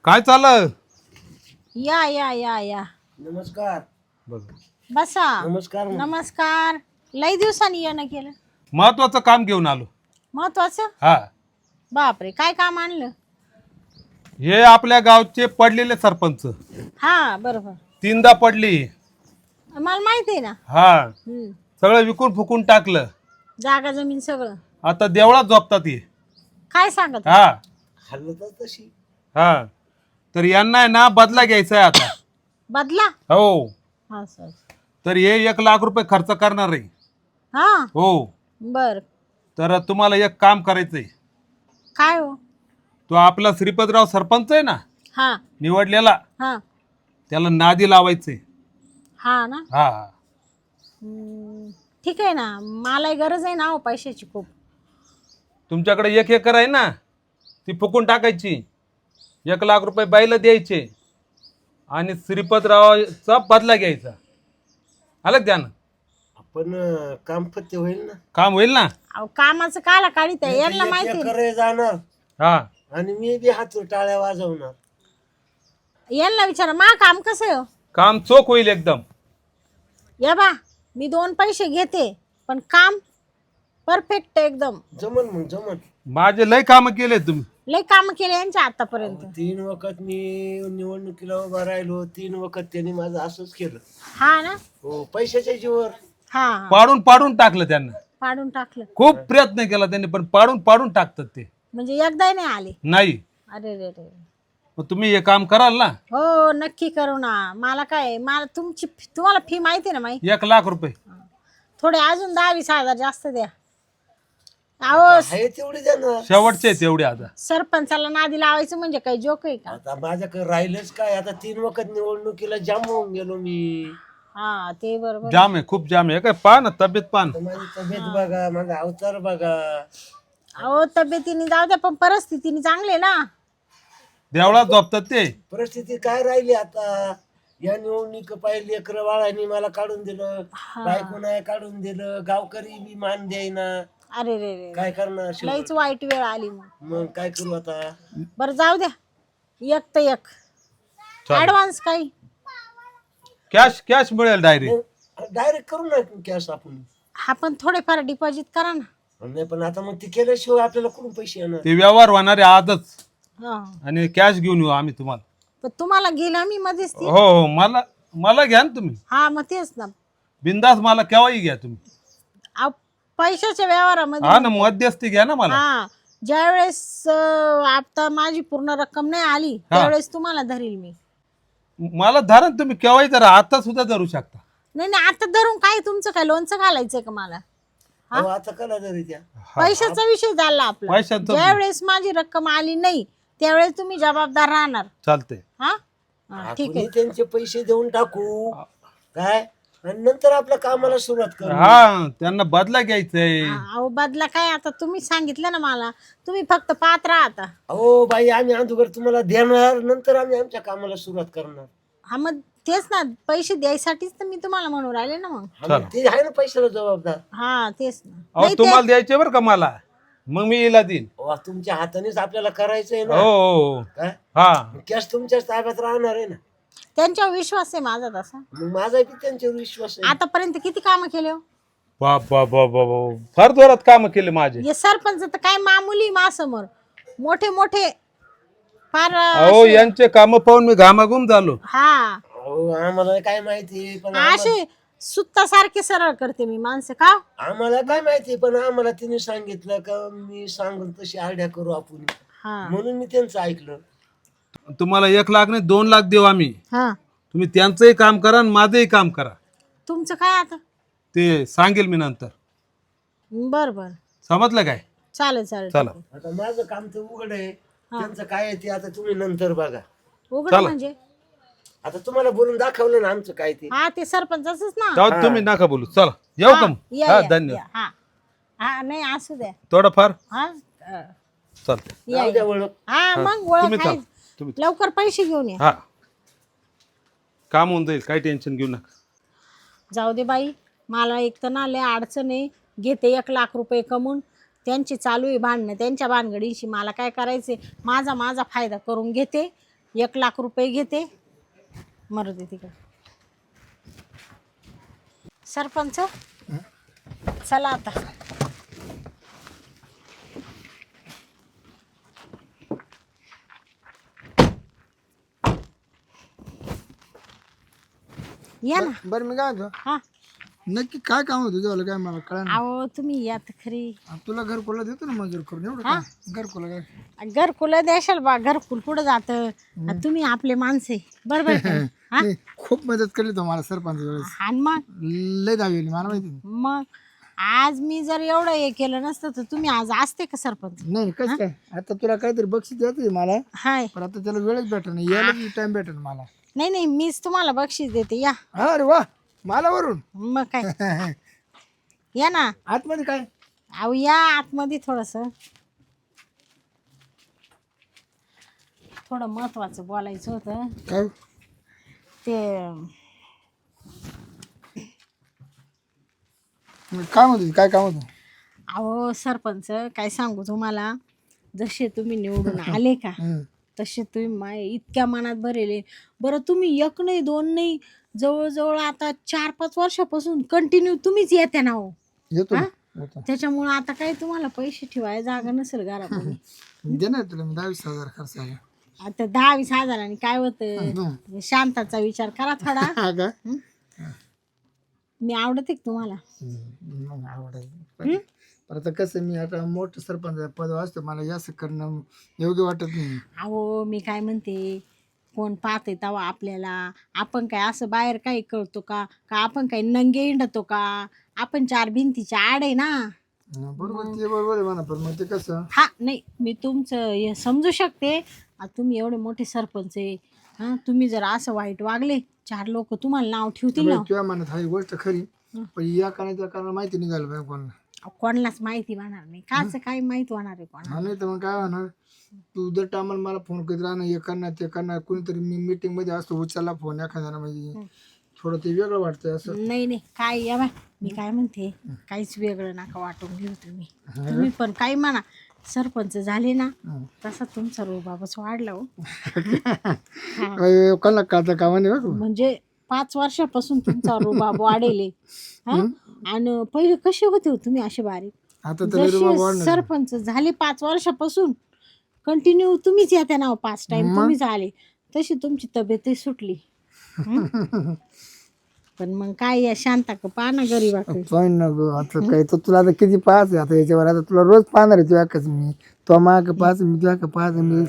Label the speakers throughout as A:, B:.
A: काय चाललं?
B: या या या या
C: नमस्कार.
A: बघ,
B: बसा.
C: नमस्कार.
B: नमस्कार. लई दिवसांनी येणं केलं.
A: महत्वाचं काम घेऊन आलो.
B: महत्वाचं?
A: हा,
B: बापरे, काय काम आणलं?
A: हे आपल्या गावचे पडलेले सरपंच
B: हा बरोबर,
A: तीनदा पडली.
B: मला माहिती आहे ना.
A: हा, सगळं विकून फुकून टाकलं.
B: जागा जमीन सगळं.
A: आता देवळात झोपतात हे.
B: काय सांगत?
A: हा
C: हल्लं तशी.
A: हा, तर यांना आहे ना बदला घ्यायचा आहे आता.
B: बदला?
A: हो,
B: असं.
A: तर हे 1,00,000 रुपये खर्च करणार आहे.
B: हा
A: हो,
B: बर.
A: तर तुम्हाला एक काम करायचंय.
B: काय हो?
A: तो आपला श्रीपतराव सरपंच आहे ना
B: हा
A: निवडलेला,
B: हा
A: त्याला नादी लावायचंय.
B: हा ना.
A: हा,
B: ठीक आहे ना, मला गरज आहे ना हो पैशाची खूप.
A: तुमच्याकडे 1 एकर आहे ना, ती फुकून टाकायची. 1,00,000 रुपये बाईला द्यायचे आणि श्रीपतरावचा बदला घ्यायचा. आलं ध्यान?
C: आपण काम फत्ते होईल ना.
A: काम होईल ना.
B: अहो, कामाचं काला काढीत आहे, यांना
C: एक
B: माहिती आहे.
C: एकर जाणार
A: हा,
C: आणि मी बी हातून टाळ्या वाजवणार.
B: यांना विचारा मा काम कसं आहे हो?
A: काम चोख होईल एकदम.
B: या बा, मी 2 पैसे घेते पण काम परफेक्ट एकदम.
C: जमन मग जमन.
A: माझे लय काम केले तुम्ही.
B: लय काम केले यांच्या आतापर्यंत.
C: 3 वखत मी निवडणुकीला उभा राहिलो. 3 वखत त्यांनी माझं असंच केलं.
B: हा ना.
C: हो, पैशाच्या जीवर.
B: हा हा.
A: पाडून पाडून टाकलं त्यांना.
B: पाडून टाकलं
A: खूप प्रयत्न केला त्यांनी, पण पाडून पाडून टाकतात ते.
B: म्हणजे एकदा नाही आले?
A: नाही.
B: अरे रे रे.
A: मग तुम्ही हे काम कराल ना.
B: हो नक्की करू ना. मला काय, मला तुम्हाला फी माहिती ना माहिती.
A: 1,00,000 रुपये.
B: थोडे अजून 10-20 हजार जास्त द्या. अहो,
C: आहे तेवढी देणार.
A: शेवटचे आहेत एवढे आता.
B: सरपंचाला नादी लावायचं म्हणजे काही जोक आहे का?
C: आता माझ्याकडे राहिलंच काय. आता 3 वखत निवडणुकीला जाम होऊन गेलो मी.
B: हा ते बरोबर.
A: जाम आहे, खूप जाम आहे. काय पहा ना तब्येत पहा ना.
C: तर माझी तब्येत बघा, माझा अवतार बघा.
B: अहो तब्येतीने जाऊ द्या पण परिस्थितीने चांगले ना.
A: देवळात झोपतात ते.
C: परिस्थिती काय राहिली आता. या निवडणूक पाहिली लेकरं बाळांनी मला काढून दिलं, बायको नाही काढून दिलं, गावकरी बी मान द्यायना.
B: अरे रे रे.
C: काय करणार शेवट?
B: लईच वाईट वेळ आली मग.
C: मग काय करू आता.
B: बरं जाऊ द्या, एक तर एक
A: चालेल.
B: ऍडव्हान्स काही.
A: कॅश कॅश मिळेल डायरेक्ट.
C: डायरेक्ट करू ना कॅश आपण.
B: हा पण थोडेफार डिपॉझिट करा ना.
C: नाही पण आता मग ते केल्याशिवाय आपल्याला कुठून पैसे येणार.
A: ते व्यवहार होणारे आजच.
B: हा.
A: आणि कॅश घेऊन येऊ आम्ही तुम्हाला.
B: पण तुम्हाला गेला मी मध्येच ती.
A: हो हो, मला मला घ्या ना तुम्ही.
B: हा मग तेच ना.
A: बिंदास मला केव्हाही घ्या तुम्ही.
B: अहो, पैशाच्या व्यवहारामध्ये.
A: हा ना, मध्यस्थी घ्या ना मला.
B: हा ज्यावेळेस आता माझी पूर्ण रक्कम नाही आली त्यावेळेस तुम्हाला धरील मी.
A: मला धरा ना तुम्ही केव्हाही धरा. आता सुद्धा धरू शकता.
B: नाही नाही, आता धरून काय तुमचं काय लोणचं घालायचंय का मला?
C: अहो, आता कला तरी द्या.
B: पैशाचा विषय झाला आपला.
A: पैशाचं
B: ज्यावेळेस माझी रक्कम आली नाही त्यावेळेस तुम्ही जबाबदार राहणार.
A: चालतंय.
B: हा हा, ठीक
C: आपण
B: आहे.
C: त्यांचे पैसे देऊन टाकू काय आणि नंतर आपल्या कामाला सुरुवात करू.
A: हा, त्यांना बदला घ्यायचंय.
B: अहो बदला काय, आता तुम्ही सांगितलं ना मला, तुम्ही फक्त पाहत राहा आता.
C: अहो बाई, आम्ही अगोदर तुम्हाला देणार, नंतर आम्ही आमच्या कामाला सुरुवात करणार.
B: हा मग तेच ना, पैसे द्यायसाठीच तर मी तुम्हाला म्हणून राहिले ना मग.
C: हा, मग ते आहे ना पैशाला जबाबदार.
B: हा तेच ना.
A: अहो तुम्हाला द्यायचे बरं का मला, मग मी हिला देईन.
C: वा, तुमच्या हातानेच आपल्याला करायचंय
A: हो
C: ना.
A: हो.
C: काय
A: हा,
C: कॅश तुमच्याच ताब्यात राहणार आहे ना.
B: त्यांच्यावर विश्वास आहे माझा तसा.
C: मग माझा बी त्यांच्यावर विश्वास आहे.
B: आतापर्यंत किती कामं केले हो?
A: बाप बाप बाप बाप, फार जोरात काम केले माझे.
B: हे सरपंच तर काय मामुली माझ्यासमोर, मोठे मोठे फार
A: अहो यांचे काम पाहून मी घामाघूम झालो.
B: हा
C: अहो, आम्हाला काय माहिती पण
B: असे सुत्तासारखे सरळ करते मी माणसं का.
C: आम्हाला काय माहिती पण आम्हाला तिने सांगितलं का मी सांगून तशी आयडिया करू आपण,
B: हा
C: म्हणून मी त्यांचं ऐकलं.
A: तुम्हाला 1,00,000 नाही 2,00,000 देऊ आम्ही.
B: हा.
A: तुम्ही त्यांचंही काम करा आणि माझंही काम करा.
B: तुमचं काय आता?
A: ते सांगेल मी नंतर.
B: बर बर
A: समजलं काय?
B: चालेल चालेल.
A: चला.
C: आता माझं काम तर उघड आहे, त्यांचं काय आहे ते आता तुम्ही नंतर बघा.
B: उघड म्हणजे
C: आता तुम्हाला बोलून दाखवलं ना आमचं काय ते.
B: हा ते सरपंचच ना.
A: तेव्हा तुम्ही नका बोलू. चला येऊ का मग?
B: या,
A: हा,
B: या,
A: धन्यवाद.
B: या. हा हा नाही असू द्या.
A: थोडंफार
B: हा
A: चालतंय.
B: या,
C: जाऊ द्या
B: या.
C: ओळख.
B: हा मग
A: तुम्ही
B: ओळख
A: चला.
B: आहे.
A: तुम्ही
B: लवकर पैसे घेऊन या.
A: हा, काम होऊन जाईल, काही टेन्शन घेऊ नका.
B: जाऊ दे बाई, मला एक तर ना लय अडचण आहे. घेते 1,00,000 रुपये कमवून, त्यांची चालू आहे भांडणं, त्यांच्या भानगडीशी मला काय करायचे. माझा फायदा करून घेते 1,00,000 रुपये घेते, मरू दे तिकडे. सरपंच चला आता. या ना.
D: बरं मी काय म्हणतो,
B: हा
D: नक्की काय काम होतं तुझं काय मला कळा ना.
B: अहो तुम्ही या तर खरी.
D: तुला घरकुला देतो ना मजूर करून एवढं काय घरकुला काय.
B: घरकुल द्याशाल बा, घरकुल कुठं जातं. तुम्ही आपले माणसे बरोबर का? हा
D: नाही, खूप मदत केली तो मला सरपंच वेळेस,
B: आणि मग
D: लय दावेली मला माहिती.
B: मग आज मी जर एवढं हे केलं नसतं तर तुम्ही आज असते का सरपंच?
D: नाही कसं काय, आता तुला काहीतरी बक्षीस द्यायचं मला,
B: हाय.
D: पण आता त्याला वेळच भेटत नाही, यायला टाइम भेटेल मला.
B: नाही नाही, मीच तुम्हाला बक्षीस देते या.
D: अरे वा, मला वरून.
B: मग काय, या ना
D: आतमध्ये काय.
B: अहो या आतमध्ये. थोडं महत्वाचं बोलायचं होतं.
D: काय
B: ते
D: काम होतं, काय काम होतं.
B: अहो सरपंच काय सांगू तुम्हाला, जसे तुम्ही निवडून आले का तसे तुम्ही माय इतक्या मनात भरेले. बरं तुम्ही एक नाही दोन नाही, जवळजवळ आता 4-5 वर्षापासून कंटिन्यू तुम्हीच येते ना हो.
D: येतो
B: हा?
D: ना, येतो.
B: त्याच्यामुळे आता काही तुम्हाला पैसे ठेवायला जागा नसेल घरामध्ये.
D: दे ना तुला मी 10,000-20,000 खर्च आला.
B: आता 10-20 हजारांनी काय होतं, शांताचा विचार करा थोडा.
D: हा का.
B: मी आवडते का तुम्हाला?
D: मग आवडायचं. पण आता कसं, मी आता मोठं सरपंच पद असतं, मला जास्त करणं योग्य वाटत नाही.
B: अहो मी काय म्हणते, कोण पाहते तेव्हा आपल्याला, आपण काय असं बाहेर काही कळतो का, का आपण काही नंगे हिंडतो का, आपण 4 भिंतीच्या आड आहे ना.
D: बरोबर, ते बरोबर आहे म्हणा, पण मग ते कसं.
B: हा नाही, मी तुमचं हे समजू शकते. आता तुम्ही एवढे मोठे सरपंच आहे, हां तुम्ही जर असं वाईट वागले 4 लोक तुम्हाला नाव ठेवतील ना.
D: तुझ्या मनात हा गोष्ट खरी, पण या त्या कारणा माहिती निघालं पाहिजे कोणाला.
B: कोणालाच माहिती होणार नाही, काच काय माहिती होणार आहे कोणाला.
D: नाही तर मग काय होणार, तू जर टायमाला मला फोन करीत राहणार, हे करणार ते करणार, कोणीतरी मी मीटिंग मध्ये असतो, उचलला फोन एखाद्याला, म्हणजे थोडं ते वेगळं वाटतं असं.
B: नाही नाही, काय या बाय, मी काय म्हणते, काहीच वेगळं नका वाटून घेऊ तुम्ही पण काही म्हणा. सरपंच झाले ना तसा तुमचा रोबाबच वाढला हो.
D: कोणाला काढता कामा नाही बघ.
B: म्हणजे 5 वर्षापासून तुमचा रोबाब वाढेल. आणि पहिले कसे होते हो तुम्ही असे बारीक?
D: आता तर
B: जसे सरपंच झाले 5 वर्षापासून कंटिन्यू तुम्हीच येते ना 5 टाइम तुम्हीच आले, तशी तुमची तब्येतही सुटली. पण मग काय या शांता का पाना गरीबाकडे.
D: पण नको आता काय, तर तुला आता किती पाहच आहे आता याच्यावर, आता तुला रोज पाहणार आहे तुझ्या कच मी, तो माग पाहच मी तुझ्या का पाहच मी.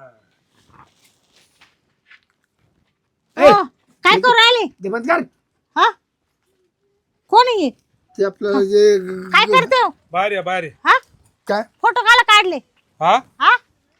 B: हो, काय करू राहिले?
D: ते बंद कर.
B: हा कोण आहे हे?
D: ते आपलं जे
B: काय करते हो?
A: बाहेर या, बाहेर या.
B: हा
D: काय
B: फोटो काला काढले?
A: हा
B: हा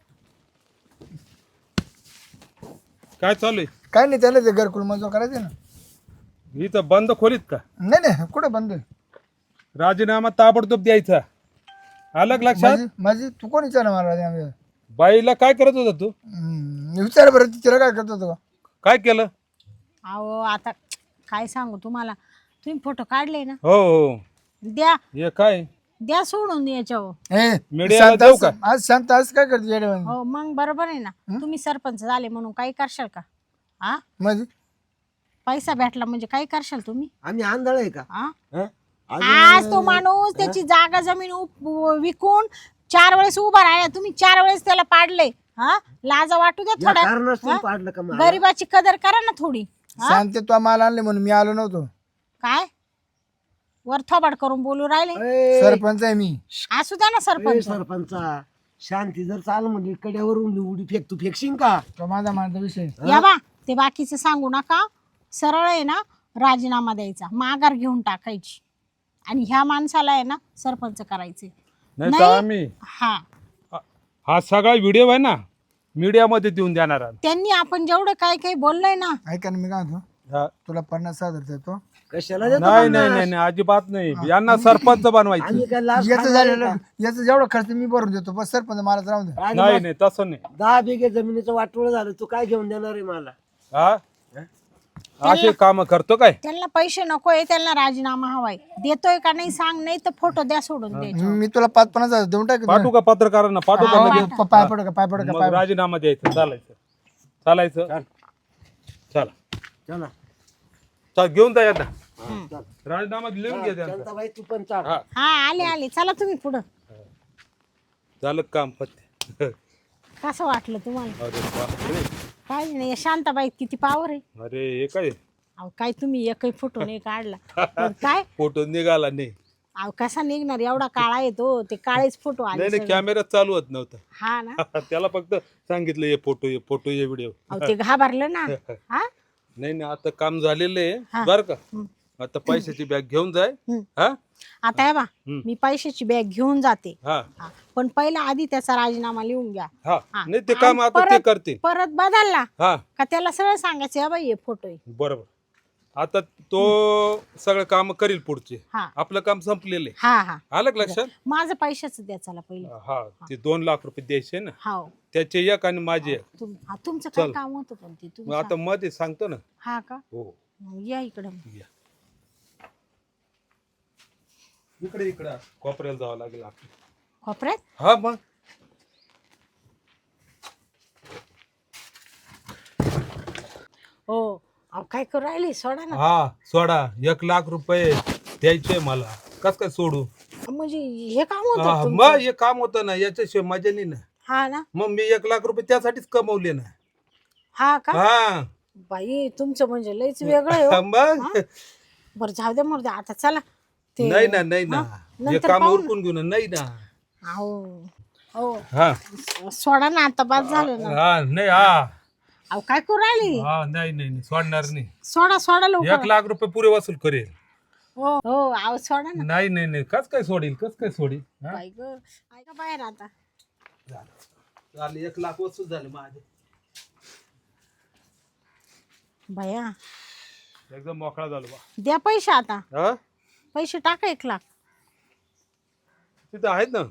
A: काय चालू आहे?
D: काय नाही, त्याला ते घरकुल मंजूर करायचे ना.
A: इथं बंद खोलीत का?
D: नाही नाही, कुठं बंद आहे?
A: राजीनामा ताबडतोब द्यायचा, अलग लक्षात.
D: माझी तू कोण विचार मला?
A: बाईला काय करत होता तू?
D: विचार बरं, तिला काय करत होतो?
A: काय केलं?
B: अहो आता काय सांगू तुम्हाला, तुम्ही फोटो काढले ना,
A: हो हो,
B: द्या
A: हे काय
B: द्या सोडून याच्यावर.
A: मीडियाला जाऊ का?
D: आज शांत आज काय करते येड्यावानी?
B: हो मग बरोबर आहे ना, तुम्ही सरपंच झाले म्हणून काही करशाल का? हा
D: म्हणजे
B: पैसा भेटला म्हणजे काही करशाल तुम्ही?
C: आम्ही आंधळ आहे का?
B: हा
C: हं?
B: आज तो माणूस त्याची जागा जमीन विकून 4 वेळेस उभा राहिला, तुम्ही 4 वेळेस त्याला पाडले. हा लाजा वाटू द्या
C: या
B: थोडा,
C: कारणास्तव पाडलं का मला?
B: गरीबाची कदर करा ना थोडी.
D: शांत तू माल आणले म्हणून मी आलो नव्हतो.
B: काय वर थोबाड करून बोलू राहिले?
C: ए,
D: सरपंच आहे मी.
B: असू द्या ना
C: ए,
B: सरपंच.
C: सरपंचा शांती जर चाल म्हणजे कड्यावरून उडी फेक, तू फेकशील का?
D: तो माझा माझा विषय.
B: या बा ते बाकीचं सांगू नका, सरळ आहे ना राजीनामा द्यायचा, माघार घेऊन टाकायची आणि ह्या माणसाला आहे ना सरपंच करायचे.
A: नाही तर आम्ही हा सगळा व्हिडिओ आहे ना मीडियामध्ये देऊन देणार आहोत.
B: त्यांनी आपण जेवढं काय काही बोललोय ना,
D: ऐका ना, मी काय म्हणतो,
A: हा.
D: तुला 50,000 देतो.
C: कशाला देतो
A: नाही
C: पन्नास?
A: नाही नाही अजिबात नाही, यांना सरपंच बनवायचं.
C: आम्ही काय लाच
D: याचं
C: खाणार
D: झालेलं,
C: आहे का?
D: याचं जेवढा खर्च मी भरून देतो, बस सरपंच मला राहून दे.
C: आणि
A: नाही
C: मग
A: नाही तसं नाही.
C: 10 बिघे जमिनीचं वाटोळ झालं, तू काय घेऊन देणार आहे मला?
A: हा असे काम करतो काय?
B: त्यांना पैसे नकोय, त्यांना राजीनामा हवाय. देतोय का नाही सांग, नाही तर फोटो द्या सोडून द्यायचे.
D: मी तुला 5-50,000 देऊन टाक.
A: पाठवू का पत्रकारांना? पाठवू का लगेच?
D: पाय पड का पाय पड का
A: मग राजीनामा द्यायचा, चालायचं. चालायचं
C: चल.
A: चला
C: चला
A: चल घेऊन जा आता
C: चल.
A: राजीनामा लिहून घ्या त्यांचा
C: शांताबाई तू पण चाल.
A: हा
B: हा आले चला तुम्ही पुढं.
A: झालं काम पत्ते
B: कसं वाटलं तुम्हाला?
A: अरे बापरे.
B: काय नाही शांताबाई किती पावर आहे.
A: अरे हे काय
B: अहो काय तुम्ही एकही फोटो नाही काढला पण काय
A: फोटो निघाला नाही.
B: अहो कसा निघणार एवढा काळा येतो ते काळेच फोटो आले
A: नाही
B: सगळे.
A: कॅमेरा चालू होत नव्हता.
B: हा ना
A: त्याला फक्त सांगितलं ये फोटो ये व्हिडिओ.
B: अहो ते घाबरलं ना. हा
A: नाही आता काम झालेलं आहे
B: हा.
A: बर का.
B: हम्म.
A: आता पैशाची बॅग घेऊन जाय.
B: हम्म.
A: हा
B: आता हे बा
A: हम्म.
B: मी पैशाची बॅग घेऊन जाते.
A: हा
B: हा. पण पहिला आधी त्याचा राजीनामा लिहून घ्या.
A: हा
B: हा.
A: नाही ते काम
B: आणि
A: आता ते
B: परत-
A: करतील.
B: परत बदलला
A: हा
B: का त्याला सरळ सांगायचं या बाई हे फोटो आहे.
A: बरोबर. आता तो सगळं काम करील पुढचे.
B: हा
A: आपलं काम संपलेलं आहे.
B: हा हा
A: आलं का लक्षात.
B: माझं पैशाचं द्या चला पहिले.
A: हा ते 2 लाख रुपये द्यायचे ना.
B: हा
A: त्याचे एक आणि माझे एक.
B: तुमचं काय
A: चल.
B: काम होतं पण ते
A: मग
B: तुम्ही
A: आता मध्ये सांगतो ना.
B: हा का
A: हो
B: मग या इकडं.
A: या. इकडे कोपऱ्याला जावं लागेल आपल्याला.
B: कोपऱ्यात
A: हा मग
B: हो अहो काय करू राहिली सोडा ना.
A: हा सोडा 1 लाख रुपये द्यायचे मला. कस काय सोडू.
B: म्हणजे हे काम
A: हा,
B: होतं तुमचं?
A: मग हे काम होतं ना याच्याशिवाय मजा नाही ना.
B: हा ना
A: मग मी 1 लाख रुपये त्यासाठीच कमवले ना.
B: हा का
A: हा
B: बाई तुमचं म्हणजे लयच वेगळं आहे हो.
A: मग
B: बरं जाऊ द्या मरू द्या आता चला ते
A: नाही ना
B: हा?
A: हे
B: नंतर
A: काम
B: पाहू ना.
A: उरकून घेऊ ना. नाही ना.
B: अहो हो
A: हा
B: सोडा ना आता बाद झालं ना.
A: हा नाही हा
B: अहो काय करू राहिली
A: हा नाही सोडणार नाही.
B: सोडा लवकर.
A: 1 लाख रुपये पुरे वसूल करेल.
B: हो हो अहो सोडा ना.
A: नाही कस काय सोडील हा?
B: बाई ग ऐका बाहेर आता.
A: झाले 1 लाख वसूल झाले माझे.
B: भया
A: एकदम मोकळा झालो बा.
B: द्या पैसे आता.
A: हा
B: पैसे टाका 1 लाख.
A: तिथं आहेत ना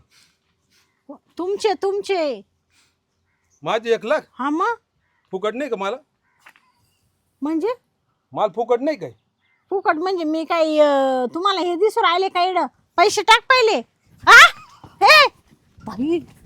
B: तुमचे
A: माझे 1 लाख.
B: हा मग
A: फुकट नाही का मला.
B: म्हणजे
A: माल फुकट नाही काय.
B: फुकट म्हणजे मी काही तुम्हाला हे दिसून राहिले का इकडं पैसे टाक पहिले. हा हे बाई